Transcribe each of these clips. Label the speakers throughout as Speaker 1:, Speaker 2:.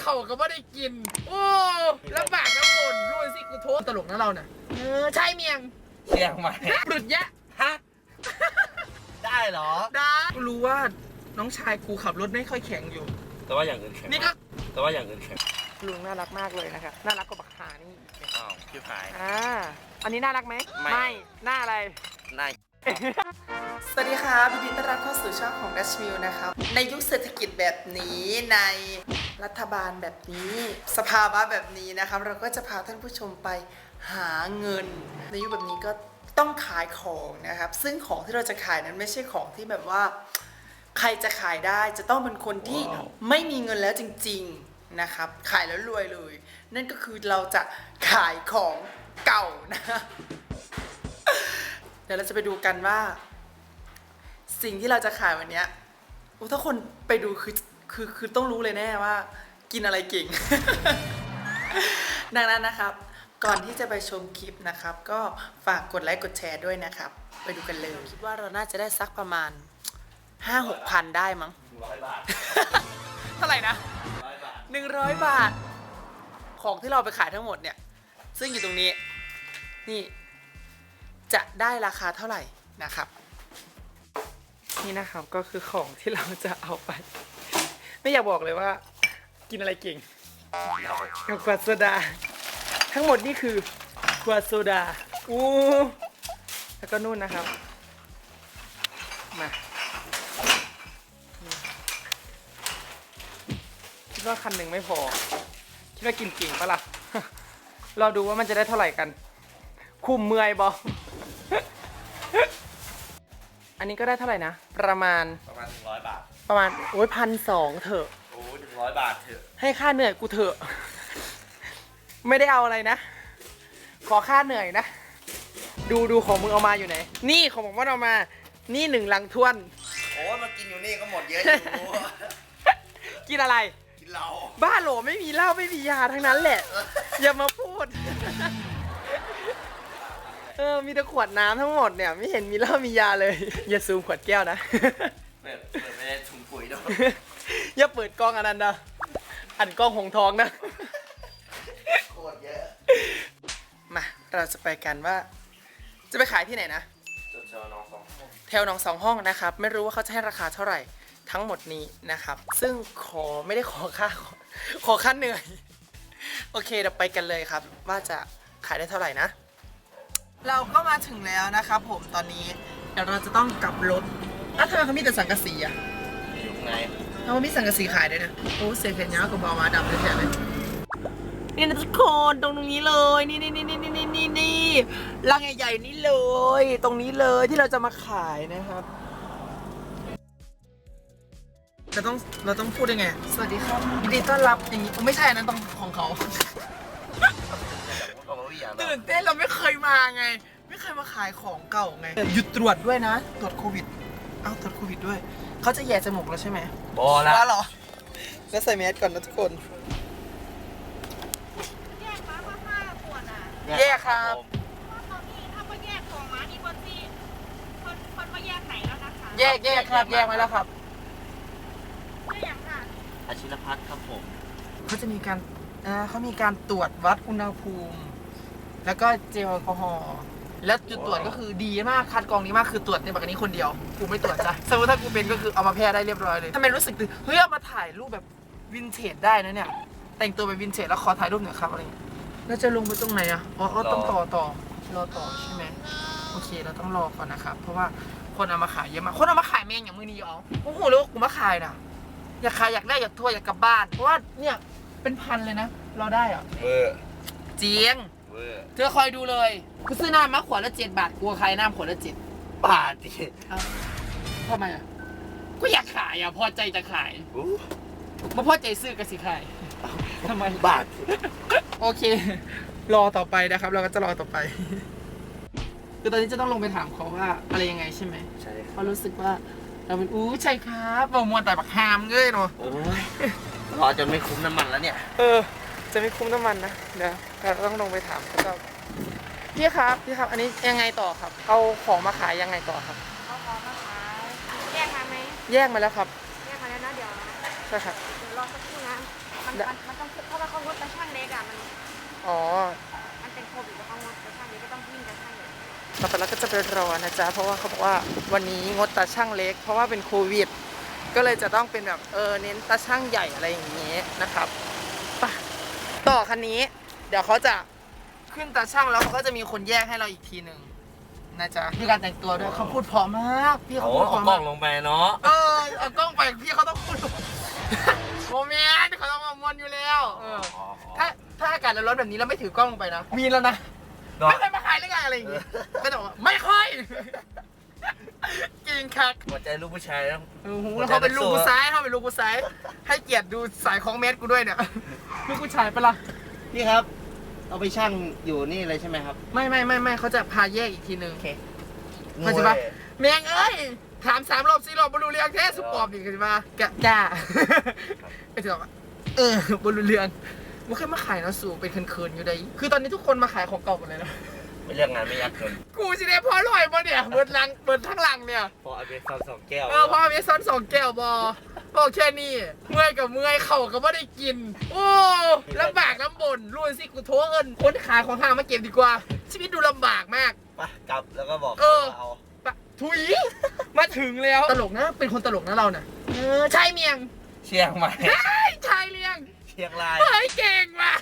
Speaker 1: เขาก็ไม่ได้กินโอ้แล้วบากน้ำฝนรู้สิกูโทษตลกนะเราเนี่ยใช่เมียง
Speaker 2: เชียงใหม่
Speaker 1: ปลุดยะ
Speaker 2: ฮะได้เหรอ
Speaker 1: ได้กูรู้ว่าน้องชายกูขับรถไม่ค่อยแข็งอยู่
Speaker 2: แต่ว่าอย่างอื่นแข็ง
Speaker 1: นี่ก็
Speaker 2: แต่ว่าอย่างอื่นแข็ง
Speaker 1: ลุงน่ารักมากเลยนะครับน่ารักกว่าบักหานี่
Speaker 2: อ้าวคิวขาย
Speaker 1: อันนี้น่ารักไหมไม่หน้าอะไร
Speaker 2: หน้า
Speaker 1: สวัสดีค่ะยินดีต้อนรับเข้าสู่ช่องของ Dash Mill นะครับในยุคเศรษฐกิจแบบนี้ในรัฐบาลแบบนี้สภาวะแบบนี้นะครับเราก็จะพาท่านผู้ชมไปหาเงินในยุคแบบนี้ก็ต้องขายของนะครับซึ่งของที่เราจะขายนั้นไม่ใช่ของที่แบบว่าใครจะขายได้จะต้องเป็นคนที่ไม่มีเงินแล้วจริงๆนะครับขายแล้วรวยเลยนั่นก็คือเราจะขายของเก่านะเดี๋ยวเราจะไปดูกันว่าสิ่งที่เราจะขายวันนี้ถ้าคนไปดูคือต้องรู้เลยแน่ว่ากินอะไรเก่ง ดังนั้นนะครับก่อนที่จะไปชมคลิปนะครับก็ฝากกดไลค์กดแชร์ด้วยนะครับไปดูกันเลยคิดว่าเราน่าจะได้สักประมาณ 5-6 พันได้มั้ง
Speaker 2: 100 บาท
Speaker 1: เท่าไหร่นะ100 บาทของที่เราไปขายทั้งหมดเนี่ยซึ่งอยู่ตรงนี้นี่จะได้ราคาเท่าไหร่นะครับนี่นะครับก็คือของที่เราจะเอาไปไม่อยากบอกเลยว่ากินอะไรเก่งกับขวดโซดาทั้งหมดนี่คือขวดโซดาแล้วก็นู่นนะครับมาคิดว่าคันหนึ่งไม่พอคิดว่ากินเก่งปะล่ะเราดูว่ามันจะได้เท่าไหร่กันคุ้มเมื่อยบออันนี้ก็ได้เท่าไหร่นะประมาณ
Speaker 2: 100 บาท
Speaker 1: ประมาณ1,200เถอะ
Speaker 2: 100 บาทเถอะ
Speaker 1: ให้ค่าเหนื่อยกูเถอะไม่ได้เอาอะไรนะขอค่าเหนื่อยนะดูของมึงเอามาอยู่ไหนนี่ของผมว่าเอามานี่1 ลังท้วน
Speaker 2: โอ้มากินอยู่นี่ก็หมดเยอะอยู่
Speaker 1: กินอะไร
Speaker 2: กินเหล้า
Speaker 1: บ้าโหลไม่มีเหล้าไม่มียาทั้งนั้นแหละอย่ามาพูดมีแต่ขวดน้ำทั้งหมดเนี่ยไม่เห็นมีเหล้ามียาเลยอย่าซูมขวดแก้วนะ
Speaker 2: เปิดไม่ได้ถุงปุ๋ยด้วย
Speaker 1: อย่าเปิดกล้องอันนั้นนะอันกล้องหงทองนะ
Speaker 2: โคตรเยอะ
Speaker 1: มาเราจะไปกันว่าจะไปขายที่ไหนนะ
Speaker 2: แถวหนอง
Speaker 1: 2 ห้องนะครับไม่รู้ว่าเขาจะให้ราคาเท่าไหร่ทั้งหมดนี้นะครับซึ่งไม่ได้ขอค่าเหนื่อยโอเคเราไปกันเลยครับว่าจะขายได้เท่าไหร่นะเราก็มาถึงแล้วนะครับผมตอนนี้เดี๋ยวเราจะต้องกลับรถทำไมเขามีแต่สังกะสีอะ
Speaker 2: อยู่ไหน
Speaker 1: เขามีสังกะสีขายด้วยนะโอ้เสียงแขนยาวกับบอมาดำเลยแค่เลยนี่นะทุกคนตรงนี้เลยนี่รังใหญ่ๆนี่เลยตรงนี้เลยที่เราจะมาขายนะครับเราต้องพูดยังไงสวัสดีครับยินดีต้อนรับอย่างนี้ไม่ใช่อันนั้นต้องของเขาตื่นเต้นเราไม่เคยมาไงไม่เคยมาขายของเก่าไงหยุดตรวจด้วยนะตรวจโควิดตรวจโควิดด้วยเขาจะแย่จมูกแล้วใช่ไหม
Speaker 2: บอแล้ว
Speaker 1: เหรอแล้วใส่แมสก่อนนะทุกคน
Speaker 3: แยกมา5 ขวดอ่ะ
Speaker 1: แยกครับ
Speaker 3: ตอนนี้ถ้าว่าแยกของมาที่บนที่คนว่าแยกไหนแล้วนะคะ
Speaker 1: แยกครับแยกมาแล้วครับ
Speaker 3: ไม่อย่างค่ะ
Speaker 2: อาชิรพัฒน์ครับผม
Speaker 1: เขาจะมีการเขามีการตรวจวัดอุณหภูมิแล้วก็เจลแอลกอฮอล์แล้วจุดตรวจก็คือดีมากคัดกรองดีมากคือตรวจในแบบนี้คนเดียวกูไม่ตรวจจ้ะสมมติถ้ากูเป็นก็คือเอามาแพร่ได้เรียบร้อยเลยทำไมรู้สึกเฮ้ยเอามาถ่ายรูปแบบวินเทจได้นะเนี่ยแต่งตัวเป็นวินเทจแล้วขอถ่ายรูปหน่อยครับอะไรเงี้ยแล้วจะลงไปตรงไหนต้องรอต่อใช่ไหมโอเคเราต้องรอก่อนนะครับเพราะว่าคนเอามาขายเยอะมากคนเอามาขายแมงอย่างมือนี้อ๋อโอ้โหแล้วกูมาขายนะอยากขายอยากได้อยากทัวร์อยากกลับบ้านเพราะว่าเนี่ยเป็นพันเลยนะเราได้อะเจียงเธอคอยดูเลยกูซื้อน้ำมาขวดละ7 บาทกูขายน้ำขวดละ7
Speaker 2: บาทดิ
Speaker 1: ทำไมอ่ะก็อยากขายอ่ะพอใจจะขายมาพอใจซื้อก็สิขายทำไม
Speaker 2: บาท
Speaker 1: โอเครอต่อไปนะครับเราก็จะรอต่อไปคือตอนนี้จะต้องลงไปถามเขาว่าอะไรยังไงใช่ไหม
Speaker 2: ใช่
Speaker 1: เขารู้สึกว่าเราเป็นใช่ครับเรามัวแต่บักฮามเงยเนาะ
Speaker 2: รอจนไม่คุ้มน้ำมันแล้วเนี่ย
Speaker 1: จะไม่คุ้มน้ำมันนะเดี๋ยวเราต้องลงไปถามเขาจะพี่ครับอันนี้ยังไงต่อครับเอาของมาขายยังไงต่อครับ
Speaker 3: เอาของมาขายแยกมาไหม
Speaker 1: แยกมาแล้วครับ
Speaker 3: แยกมาแล้วนะเดี๋ยว
Speaker 1: ใช่ครับ
Speaker 3: รออสักครู่นะมันต้องเพราะว่าเขางดกระช่างเล็กอ่ะ
Speaker 1: อ๋อ
Speaker 3: มันเป็นโควิดแล้วเขางดกระช่างเล็กก็ต้องวิ่งกระช่างใหญ่
Speaker 1: ต่อไปเราก็จะไปรอนะจ๊ะเพราะว่าเขาบอกว่าวันนี้งดตาช่างเล็ก เพราะว่าเป็นโควิด ก็เลยจะต้องเป็นแบบเน้นตาช่างใหญ่อะไรอย่างเงี้ยนะครับไปต่อคันนี้ เดี๋ยวเขาจะขึ้นตาช่างแล้วเขาก็จะมีคนแยกให้เราอีกทีหนึ่งนะจ๊ะมีการแต่งตัวด้วยเขาพูดเพราะมากพี่เขา
Speaker 2: โอ้
Speaker 1: พูดเพ
Speaker 2: เอา
Speaker 1: ราะ
Speaker 2: กล้
Speaker 1: มา
Speaker 2: อก งลงไปเนาะ
Speaker 1: เอากล้องไปพี่เขาต้องพูดโมเมนต์เขาต้องมามวนอยู่แล้วถ้าอากาศร้อนๆแบบนี้เราไม่ถือกล้องลงไปนะมีแล้วนะไม่เคยมาขายหรือไงอะไรอย่างเงี้ยก็จะบอกว่าไม่ค่อยกินคัก
Speaker 2: หัวใจลูกผู้ชายต้อง
Speaker 1: แล้วเขาเป็นลูกกูซ้ายเขาเป็นลูกกูซ้ายให้เกียรติดูสายของเมตรกูด้วยเนี่ยลูกกูชายปะล่ะ
Speaker 2: พี่ครับ เอาไปช่างอยู่นี่เลยใช่ไหมครับ
Speaker 1: ไม่เขาจะพาแยกอีกทีนึงเข้าใจปะแมงเอ้ยถาม3 รอบ 4 รอบบรรลุเรืองแท้สุปปอบดิเข้าใจปะกล้าไอ้เจ้าบรรลุเรืองมันเคยมาขายนะสู่เป็นเคินๆอยู่ได้คือตอนนี้ทุกคนมาขายของเก่าหมดเลยนะ
Speaker 2: ไม่เรื่องงานไม่ยักเกิน
Speaker 1: กูสิได้พอร่อยปะเนี่ยเบิดทั้งหลังเนี่ย
Speaker 2: พอเอาไปซ้ำ2 แก้ว
Speaker 1: พอเมซอน2 แก้วบอกแค่นี้เมื่อยกับเมื่อยเข่าก็ไม่ได้กินโอ้ลำบากลำบนรุ่นสิกูโทรเอินคนขายของห้างมาเก็บดีกว่าชีวิตดูลำบากมาก
Speaker 2: ไปกลับแล้วก็บอก
Speaker 1: เอา
Speaker 2: เอา
Speaker 1: ถุยมาถึงแล้วตลกนะเป็นคนตลกนะเราเนี่ยชายเมียง
Speaker 2: เชียงใหม่
Speaker 1: ชายเลียง
Speaker 2: เชียงราย
Speaker 1: เฮ้ยเก่งว่ะ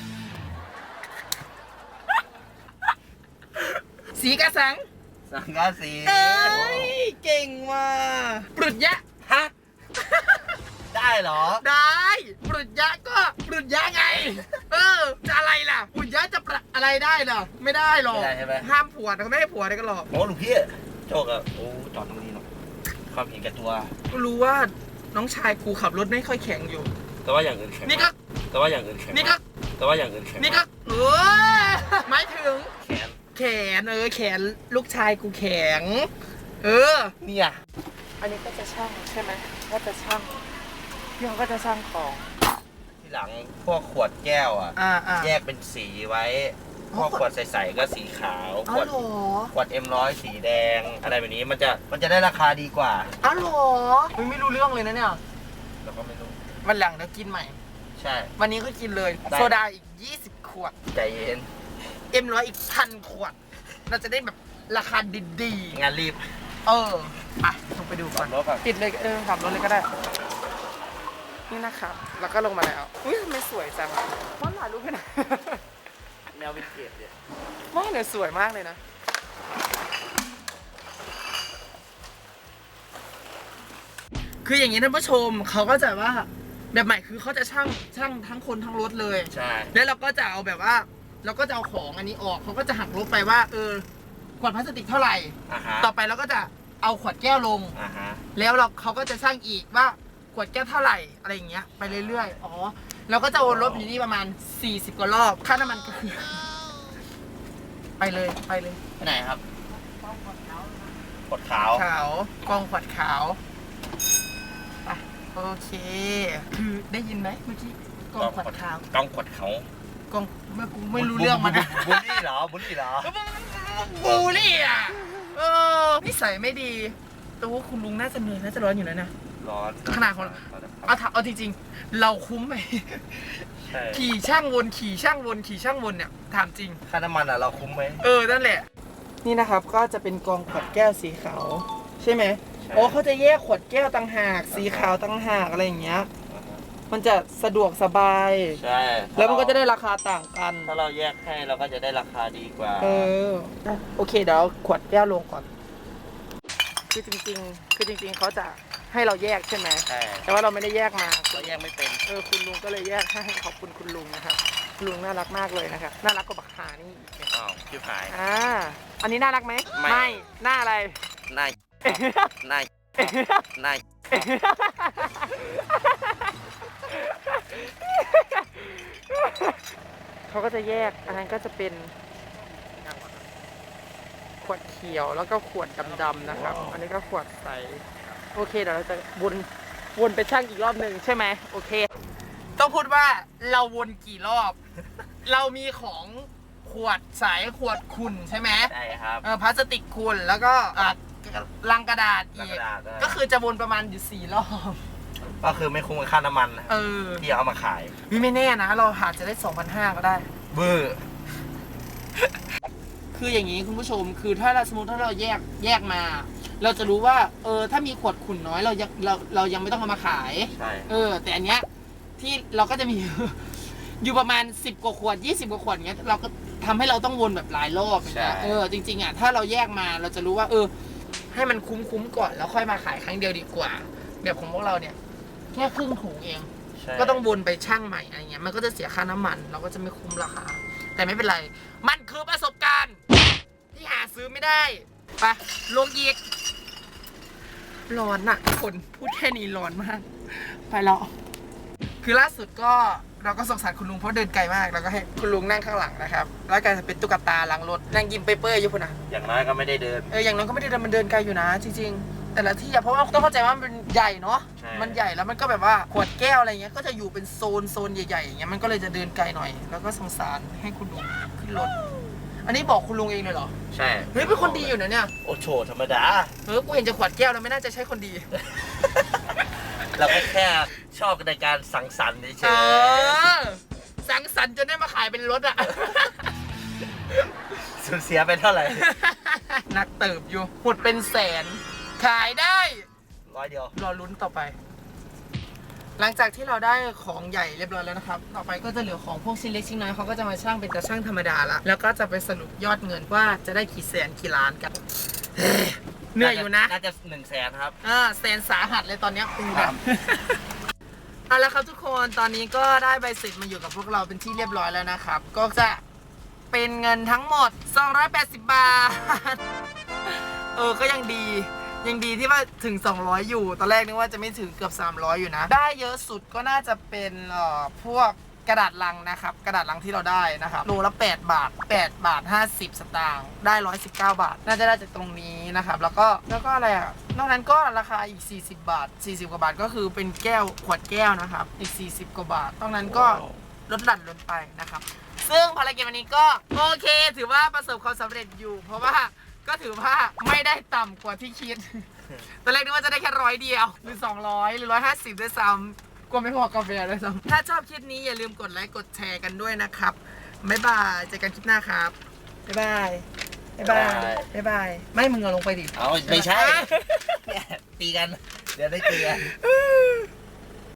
Speaker 1: สีกระสัง
Speaker 2: สังกะสี
Speaker 1: เอ้ยเก่งว่ะปรุดยะ
Speaker 2: ฮะได้เหรอ
Speaker 1: ได้ปรุดยะก็ปรุดยะไงจะอะไรล่ะปรุดยะจะอะไรได้ล่ะไม่ได้หรอก
Speaker 2: ไม่ได้ใช่ไหม
Speaker 1: ห้ามผัวเขาไม่ให้ผัวได้กันหรอก
Speaker 2: โอ้ลูกพี่โจกอะโอ้จอดตรงนี้เนาะความเห็นแก่ตัว
Speaker 1: ก็รู้ว่าน้องชายกูขับรถไม่ค่อยแข็งอยู่
Speaker 2: แต่ว่าอย่างอื่นแข็ง
Speaker 1: นี่ก็
Speaker 2: แต่ว่าอย่างอื่นแข็ง
Speaker 1: นี่ก็
Speaker 2: แต่ว่าอย่างอื่นแข็ง
Speaker 1: นี่ก็หมายถึง
Speaker 2: แขน
Speaker 1: แขนแขนลูกชายกูแข็ง
Speaker 2: เนี่ย
Speaker 1: อันนี้ก็จะช่างใช่ไหมก็จะช่างพี่เขาก็จะช่างของ
Speaker 2: ทีหลังพวกขวดแก้วอะแยกเป็นสีไว้พวกขวดใสๆก็สีขาวขวด ขวด M100 สีแดงอะไรแบบนี้มันจะได้ราคาดีกว่า
Speaker 1: อ้าวเหรอไม่รู้เรื่องเลยนะเนี่ย
Speaker 2: เราก็ไม่รู้
Speaker 1: วันหลังเดี๋ยวกินใหม่
Speaker 2: ใช่
Speaker 1: วันนี้ก็กินเลย
Speaker 2: ได้
Speaker 1: โซดาอีก20 ขวด
Speaker 2: ใจเย็น
Speaker 1: M100 อีก1,000 ขวด เราจะได้แบบราคาดี
Speaker 2: งานรีบ
Speaker 1: ๆลงไปดูก่อน
Speaker 2: ขับรถก่อน
Speaker 1: ปิดเลยขับรถเลยก็ได้ นี่นะครับแล้วก็ลงมาแล้วอุ้ยทำไมสวยจังว่าถ่ายรูปให้หน่อย
Speaker 2: แนววินเทจเนี่ย
Speaker 1: ว่าเนี่ยสวยมากเลยนะ คืออย่างนี้ท่านผู้ชมเขาก็จะว่าแบบใหม่คือเขาจะช่างทั้งคนทั้งรถเลย
Speaker 2: ใช่
Speaker 1: แล้วเราก็จะเอาแบบว่าเราก็จะเอาของอันนี้ออกเขาก็จะหักลบไปว่าขวดพลาสติกเท่าไหร่
Speaker 2: ฮะ
Speaker 1: ต่อไปเราก็จะเอาขวดแก้วลง
Speaker 2: ฮะ
Speaker 1: แล้วเขาก็จะช่างอีกว่าขวดแก้วเท่าไหร่อะไรอย่างเงี้ยไปเรื่อยๆเราก็จะวนรถอยู่นี่ประมาณ40 กว่ารอบค่าน้ำมันก็คือไปเลย
Speaker 2: ไปไหนครับขวดขาว
Speaker 1: กองขวดขาวไปโอเค คือได้ยินไหมเมื่อกี้กองขวดขาว
Speaker 2: กองขวดเขา
Speaker 1: กองไม่รู้เรื่องมันนะ
Speaker 2: บุลลี่เหรอบุลลี่เหรอ
Speaker 1: บูลลี่อ่ะนิสัยไม่ดีตัวคุณลุงน่าจะเหนื่อยน่าจะร้อนอยู่แล้วนะ
Speaker 2: ร้อน
Speaker 1: ขนาดของเอาจริงๆเราคุ้มไหม
Speaker 2: ใช่
Speaker 1: ขี่ช่างวนเนี่ยถามจริง
Speaker 2: ค่าน้ำมันเราคุ้มไหม
Speaker 1: นั่นแหละนี่นะครับก็จะเป็นกองขวดแก้วสีขาวใช่ไหม
Speaker 2: ใช่
Speaker 1: เขาจะแยกขวดแก้วต่างหากสีขาวต่างหากอะไรอย่างเงี้ยมันจะสะดวกสบาย
Speaker 2: ใช่
Speaker 1: แล้วมันก็จะได้ราคาต่างกัน
Speaker 2: ถ้าเราแยกให้เราก็จะได้ราคาดีกว่า
Speaker 1: โอเคเดี๋ยวขวดแก้วลงก่อนคือจริงเขาจะให้เราแยกใช่ไหม
Speaker 2: ใช่
Speaker 1: แต่ว่าเราไม่ได้แยกมา
Speaker 2: เราแยกไม่เป็น
Speaker 1: คุณลุงก็เลยแยกให้ขอบคุณคุณลุงนะครับคุณลุงน่ารักมากเลยนะครับน่ารักกว่าบักหานี่
Speaker 2: อ้าวชิบหาย
Speaker 1: อันนี้น่ารักไหม
Speaker 2: ไม่
Speaker 1: หน้าอะไร
Speaker 2: นายนายนาย
Speaker 1: เขาก็จะแยกอันนั้นก็จะเป็นขวดเขียวแล้วก็ขวดดำๆนะครับ อันนี้ก็ขวดใสโอเคเดี๋ยวเราจะวนไปช่างอีกรอบหนึ่งใช่ไหมโอเค ต้องพูดว่าเราวนกี่รอบ เรามีของขวดใสขวดขุ่นใช่ไหม
Speaker 2: ใช่ครับ
Speaker 1: พลาสติกขุ่นแล้วก็ลังกระดาษ
Speaker 2: ลัง
Speaker 1: อี
Speaker 2: ก
Speaker 1: ก
Speaker 2: ระดาษ
Speaker 1: ก็คือจะวนประมาณอยู่4 รอบ
Speaker 2: ก็คือไม่คุ้มกับค่าน้ำมันนะ
Speaker 1: อ
Speaker 2: ที่เอามาขาย
Speaker 1: ไม่แน่นะ เราอาจจะได้ 2,500 ก็ได้
Speaker 2: เบอร์
Speaker 1: คืออย่างนี้คุณผู้ชม คือถ้าเราสมมติถ้าเราแยกมา เราจะรู้ว่า ถ้ามีขวดขุ่นน้อยเรายังไม่ต้องเอามาขาย
Speaker 2: ใช่
Speaker 1: แต่อันเนี้ยที่เราก็จะมี อยู่ประมาณ10 กว่าขวด20 กว่าขวดเงี้ยเราก็ทำให้เราต้องวนแบบหลายรอบอย่างเงี้ยจริงๆอ่ะถ้าเราแยกมาเราจะรู้ว่าให้มันคุ้มก่อนแล้วค่อยมาขายครั้งเดียวดีกว่าแบบของพวกเราเนี่ยแค่ครึ่งถุงเอง
Speaker 2: ใช่
Speaker 1: ก็ต้องวนไปช่างใหม่อะไรเงี้ยมันก็จะเสียค่าน้ำมันเราก็จะไม่คุ้มราคาแต่ไม่เป็นไรมันคือประสบการณ์ที่หาซื้อไม่ได้ไปลงอีกร้อนอะทุกคนพูดแค่นี้ร้อนมากไปแล้วคือล่าสุดก็เราก็สงสารคุณลุงเพราะเดินไกลมากแล้วก็ให้คุณลุงนั่งข้างหลังนะครับแล้วก็จะเป็นตุ๊กตาหลังรถนั่งยิ้มเปื่อยๆอยู่พุ่นนะ
Speaker 2: อย่างน้อยก็ไม่ได้เดิน
Speaker 1: อย่างน้อยก็ไม่ได้เดินมันเดินไกลอยู่นะจริงๆแต่ละที่อะเพราะว่าต้องเข้าใจว่ามันใหญ่เนาะ
Speaker 2: ใช่
Speaker 1: มันใหญ่แล้วมันก็แบบว่าขวดแก้วอะไรเงี้ยก็จะอยู่เป็นโซนใหญ่ๆอย่างเงี้ยมันก็เลยจะเดินไกลหน่อย แล้วก็สงสารให้คุณลุงขึ้นรถอันนี้บอกคุณลุงเองเลยเหรอ
Speaker 2: ใช่
Speaker 1: เฮ้ยเป็นคนดีอยู่นะเนี่ย
Speaker 2: โอ้โฉธรรมดา
Speaker 1: กูเห็นจะขวดแก้วแล้วไม่น่าจะใช่คนดี
Speaker 2: เราก็แค่ชอบในการสังสรรค์เฉ
Speaker 1: เอย สังสรรค์จนได้มาขายเป็นรถอะ
Speaker 2: ๆสูญเสียไปเท่าไหร่
Speaker 1: นักเติบอยู่หมดเป็นแสน ขายได้
Speaker 2: 100 เดียว
Speaker 1: รอลุ้นต่อไป หลังจากที่เราได้ของใหญ่เรียบร้อยแล้วนะครับ ต่อไปก็จะเหลือของพวกชิ้นเล็กชิ้นน้อยเขาก็จะมาช่างเป็นตาช่างธรรมดาละแล้วก็จะไปสรุปยอดเงินว่าจะได้กี่แสนกี่ล้านกันเฮ้ยเหนื่อยอยู่นะ
Speaker 2: น่าจะ100,000ครับ
Speaker 1: แสนสาหัสเลยตอนเนี้ยปูแบบเอาละครับทุกคนตอนนี้ก็ได้ใบเสร็จมาอยู่กับพวกเราเป็นที่เรียบร้อยแล้วนะครับ ก็จะเป็นเงินทั้งหมด280 บาท ก็ยังดีที่ว่าถึง200อยู่ตอนแรกนึกว่าจะไม่ถึงเกือบ300อยู่นะได้เยอะสุดก็น่าจะเป็นพวกกระดาษลังนะครับกระดาษลังที่เราได้นะครับโลละ8 บาท8 บาท 50 สตางค์ได้119 บาทน่าจะได้จากตรงนี้นะครับแล้วก็อะไรอ่ะนอกนั้นก็ราคาอีก40 บาท40 กว่าบาทก็คือเป็นแก้วขวดแก้วนะครับอีก40 กว่าบาทนอกนั้นก็ลดหลั่นลงไปนะครับซึ่งภารกิจวันนี้ก็โอเคถือว่าประสบความสำเร็จอยู่ เพราะว่าก็ถือว่าไม่ได้ต่ำกว่าที่คิด ตอนแรกนึกว่าจะได้แค่100 เดียวหรือ200หรือ150ด้วยซ้ำกลัวไม่พอกาแฟด้วยซ้ำถ้าชอบคลิปนี้อย่าลืมกดไลค์กดแชร์กันด้วยนะครับบ๊ายบายเจอกันคลิปหน้าครับบ๊ายบายบ๊ายบายบ๊ายบายไม่มึงเอาลงไปดิ
Speaker 2: เอาไม่ใช่ เนี่ยตีกัน เดี๋ยวได้ตีกัน
Speaker 1: อื้อ